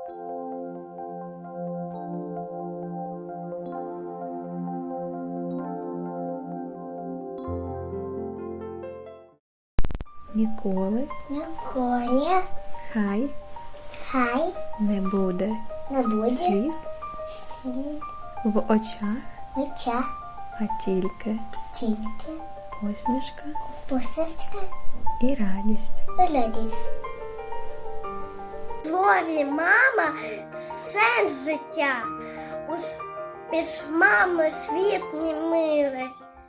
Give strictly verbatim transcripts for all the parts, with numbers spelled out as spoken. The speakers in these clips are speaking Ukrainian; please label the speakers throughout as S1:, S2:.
S1: Ніколи,
S2: Ніколи,
S1: хай
S2: хай
S1: не буде
S2: не буде
S1: сліз
S2: сліз
S1: в очах,
S2: в очах,
S1: а тільки
S2: тільки
S1: посмішка
S2: посмішка
S1: і радість.
S2: і радість. В слові мама сенс життя. Уж без мами світ не милий.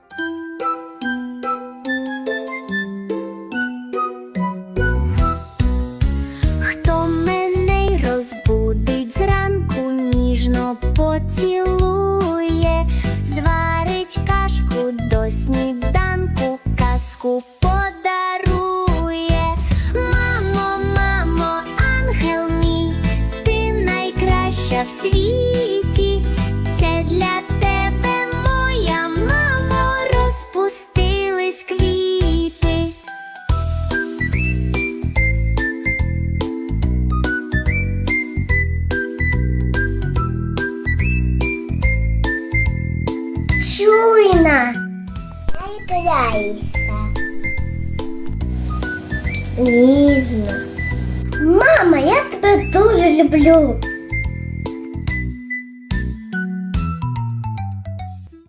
S3: Хто мене й розбудить зранку, ніжно поцілує, зварить кашку до сніданку, казку подарує. Мамо, мамо, ангел мій, ти найкраща в світі. Це для тебе, моя мамо, розпустились квіти.
S2: Чуйна, не грайся, ніжно. Мама, я тебе дуже люблю.